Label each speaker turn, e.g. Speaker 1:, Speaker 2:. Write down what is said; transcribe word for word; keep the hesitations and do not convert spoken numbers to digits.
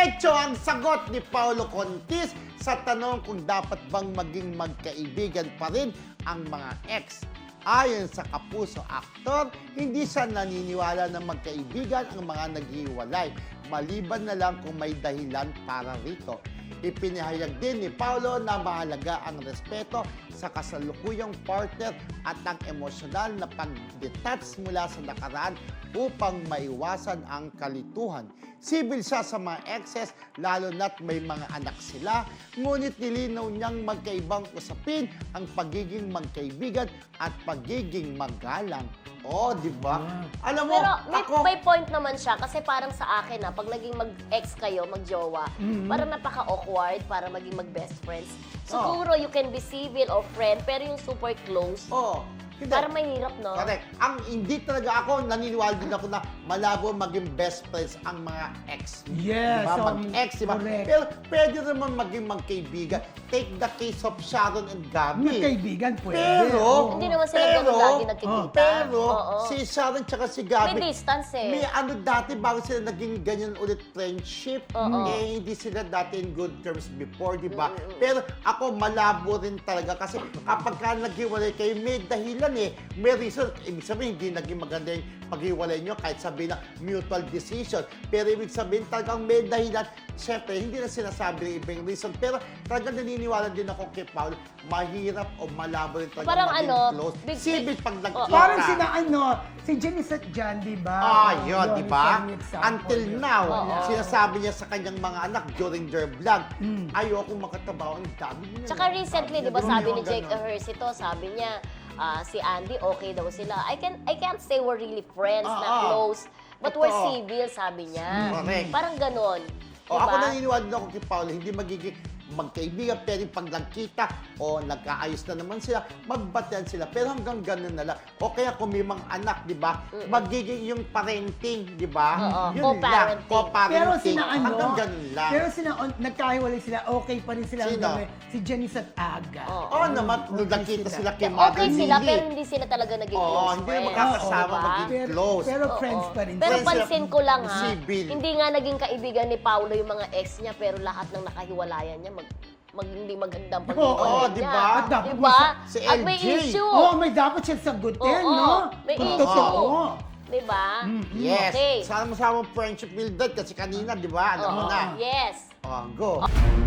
Speaker 1: Diretso ang sagot ni Paolo Contis sa tanong kung dapat bang maging magkaibigan pa rin ang mga ex. Ayon sa Kapuso aktor, hindi siya naniniwala na magkaibigan ang mga naghiwalay, maliban na lang kung may dahilan para rito. Ipinahayag din ni Paolo na mahalaga ang respeto sa kasalukuyang partner at ang emosyonal na pag-detach mula sa nakaraan upang maiwasan ang kalituhan. Sibil siya sa mga exes, lalo na't may mga anak sila, ngunit nilinaw niyang magkaibang usapin ang pagiging magkaibigan at pagiging magalang. Oh, di ba?
Speaker 2: Yeah.
Speaker 1: Alam mo,
Speaker 3: Pero may,
Speaker 1: ako...
Speaker 3: may point naman siya kasi parang sa akin na pag naging mag-ex kayo, mag-jowa,
Speaker 1: Mm-hmm.
Speaker 3: parang napaka-awkward para maging mag-best friends. Siguro you can be civil or friend, pero yung super close,
Speaker 1: Oh, hindi.
Speaker 3: parang mahirap, no?
Speaker 1: Correct. Ang hindi talaga ako, naniniwala din ako na malabo maging best friends ang mga ex.
Speaker 2: Yes,
Speaker 1: Diba?
Speaker 2: um,
Speaker 1: Mag-ex, diba?
Speaker 2: correct.
Speaker 1: Pero pwede naman maging magkaibigan. Take the case of Sharon and Gabby.
Speaker 2: Magkaibigan pwede.
Speaker 1: Pero,
Speaker 2: Oo.
Speaker 3: Hindi naman sila
Speaker 1: pero,
Speaker 3: ganun lagi nagkikita.
Speaker 1: Pero,
Speaker 3: Oo.
Speaker 1: si Sharon tsaka si Gabby,
Speaker 3: May distance eh.
Speaker 1: may ano dati, bago sila naging ganyan ulit friendship,
Speaker 3: Oo.
Speaker 1: eh, hindi sila dati in good terms before, di ba? Pero ako, malabo rin talaga kasi kapag ka naghiwalay kayo, may dahilan eh. May reason. Ibig sabihin, hindi naging maganda yung paghiwalay nyo kahit sabihin na mutual decision. Pero ibig sabihin, talagang may dahilan. Siyempre, hindi na sinasabi ng ibang reason. Pero talagang naniniwala din ako kay Paul, mahirap o malabo rin talaga
Speaker 3: Parang
Speaker 1: maging
Speaker 3: ano,
Speaker 1: close.
Speaker 3: big-
Speaker 1: Sibit pag nagkita.
Speaker 2: Parang sina ano, si Janice at Jan, di ba?
Speaker 1: Ah,
Speaker 2: Oo,
Speaker 1: yun, di ba?
Speaker 2: isang example
Speaker 1: Until
Speaker 2: yun.
Speaker 1: now,
Speaker 3: Oo.
Speaker 1: sinasabi niya sa kanyang mga anak during their vlog,
Speaker 2: Mm.
Speaker 1: ayoko makatabaw ang dami niya.
Speaker 3: Tsaka recently, di ba,
Speaker 1: Ganun
Speaker 3: sabi
Speaker 1: yung
Speaker 3: ni Jake
Speaker 1: ganun.
Speaker 3: Ejercito, sabi niya, ah, si Andy, okay daw sila. I can I can't say we're really friends
Speaker 1: Ah,
Speaker 3: na
Speaker 1: ah.
Speaker 3: close, but we're
Speaker 1: Totoo.
Speaker 3: civil, sabi niya.
Speaker 1: Correct.
Speaker 3: Parang ganon.
Speaker 1: O,
Speaker 3: Diba?
Speaker 1: ako naniniwala din ako kay Paolo, hindi magiging magkaibigan, pero pag nagkita o nagkaayos na naman sila, magbatian sila. Pero hanggang ganun na lang. O kaya kung may mga anak, di ba, magiging yung parenting, di ba?
Speaker 3: Oo,
Speaker 1: Yun lang,
Speaker 3: co-parenting.
Speaker 1: co-parenting.
Speaker 2: Pero sina ano,
Speaker 1: Hanggang ganun lang.
Speaker 2: pero sina, on, nagkahiwalay sila, okay pa rin sila.
Speaker 1: Sino?
Speaker 2: hanggang ngayon. Si Janice at Aga.
Speaker 3: Oo.
Speaker 1: Oo naman, nung
Speaker 2: Okay
Speaker 1: nagkita
Speaker 2: sila.
Speaker 1: sila kay Mother
Speaker 3: Okay sila,
Speaker 1: Lily.
Speaker 3: pero hindi sila talaga naging
Speaker 1: Oo,
Speaker 3: close
Speaker 1: hindi
Speaker 3: friends.
Speaker 1: magkakasama,
Speaker 3: Diba?
Speaker 1: maging
Speaker 2: Pero,
Speaker 1: close.
Speaker 2: pero
Speaker 3: Oo.
Speaker 2: friends pa rin.
Speaker 3: Pero
Speaker 1: Friends sila,
Speaker 3: pansin ko lang ha,
Speaker 1: civil.
Speaker 3: hindi nga naging kaibigan ni Paolo yung mga ex niya, pero lahat ng nakahiwalayan niya mag, mag hindi magandang
Speaker 2: Oo,
Speaker 3: paghiwalay niya.
Speaker 1: diba?
Speaker 2: At dapat
Speaker 3: Diba?
Speaker 1: si
Speaker 3: At may
Speaker 1: L J.
Speaker 3: issue.
Speaker 2: Oo, may dapat siya sagutin,
Speaker 3: Oo,
Speaker 2: no?
Speaker 3: may
Speaker 2: Kung
Speaker 3: issue.
Speaker 2: totoo.
Speaker 3: Diba?
Speaker 1: Yes.
Speaker 3: Okay.
Speaker 1: Sana masama friendship build kasi kanina, di ba? Alam mo
Speaker 3: Oo.
Speaker 1: na.
Speaker 3: Yes.
Speaker 1: Oh, go.